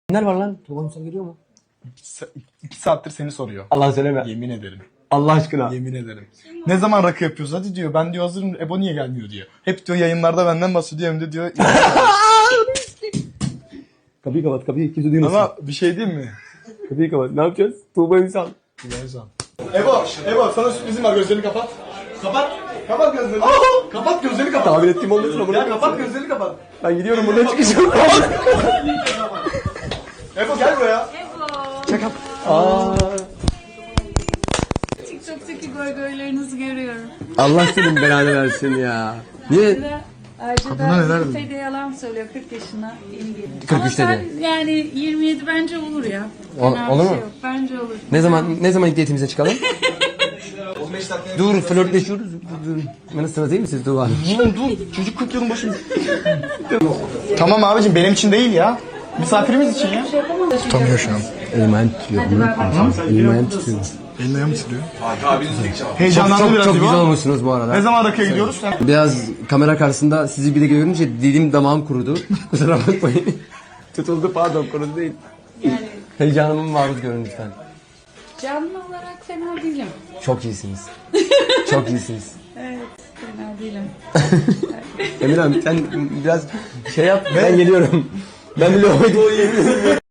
Neler var lan? Tuğba Ünsal geliyor mu? 2 saattir seni soruyor. Allah söyleme. Yemin ederim. Allah aşkına. Yemin ederim. Ne zaman rakı yapıyoruz? Hadi diyor. Ben diyor hazırım. Ebo niye gelmiyor diyor. Hep diyor yayınlarda benden bahsediyor. Hem de diyor. Kapıyı kapat, kapıyı kimse duymasın. Ama bir şey diyeyim mi? Kapıyı kapat. Ne yapacağız? Tuğba Ünsal. Ebo sana sürprizim var. Gözlerini kapat. Kapat. Kapat gözlerini. Kapat gözlerini kapat. Tahmin ettiğim olmasın ama. Ya kapat gözlerini kapat. Ben gidiyorum buradan çıkacağım. Ebo gel buraya. Ebo. Aa, TikTok'taki goygoylarınızı görüyorum. Allah senin belanı versin ya. Niye? Kadına neler dedi? Yalan söylüyor 40 yaşına yeni geliyor. 43 Ama sen dedi. yani 27 bence olur ya. Ol- Fena bir olur şey mu? yok. Bence olur. Ne zaman ilk date'imize çıkalım? Dur flörtleşiyoruz. Dur. Bana sıra değil mi siz Tuğba Hanım? Oğlum dur. Çocuk 40 yılın başında. Tamam abicim benim için değil ya. Misafirimiz için ya. Tutamıyor şu an. Elim ayağım titriyor. Elim ayağım titriyor. Elini ayağım titriyor. Heyecanlandı Çok biraz çok İbo. güzel olmuşsunuz bu arada. Ne zaman rakıya gidiyoruz? Biraz kamera karşısında sizi bir de görünce dilim damağım kurudu. Kusura bakmayın. Tutuldu pardon kurudu değil. Yani Heyecanımı maruz görün lütfen. canlı olarak fena değilim. Çok iyisiniz. Çok iyisiniz. Evet fena değilim. Emirhan sen biraz şey yap ben geliyorum. Ben bile oydu.